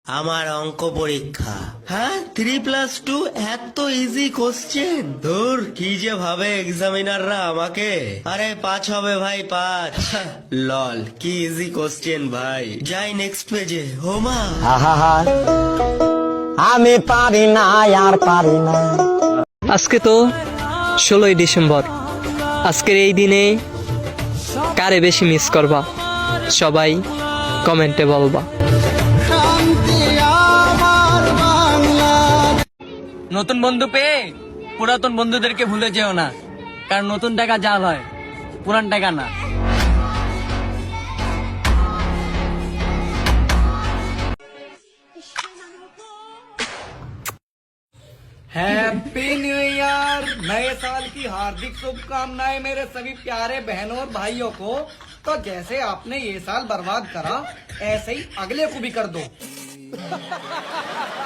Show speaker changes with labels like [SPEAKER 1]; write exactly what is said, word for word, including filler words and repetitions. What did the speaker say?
[SPEAKER 1] আমার অঙ্ক পরীক্ষা। হ্যাঁ, থ্রি প্লাস টু এত ইজি কোশ্চেন। ধুর, কি যে ভাবে এক্সামিনাররা আমাকে। আরে পাঁচ হবে ভাই, পাঁচ। লল, কি ইজি কোশ্চেন ভাই। যাই নেক্সট পেজে। হোমা,
[SPEAKER 2] আহা আমি পারি না আর পারি না।
[SPEAKER 3] আজকে তো ষোলোই ডিসেম্বর। আজকের এই দিনে কারে বেশি মিস করবা সবাই কমেন্টে বলবা। নতুন বন্ধু পেয়ে পুরাতন বন্ধুদেরকে ভুলে যেও না, কারণ নতুন টাকা জাল হয়, পুরান টাকা না।
[SPEAKER 4] हैप्पी न्यू ईयर, नए साल की हार्दिक शुभकामनाएं मेरे सभी प्यारे बहनों और भाइयों को। तो जैसे आपने ये साल बर्बाद करा, ऐसे ही अगले को भी कर दो।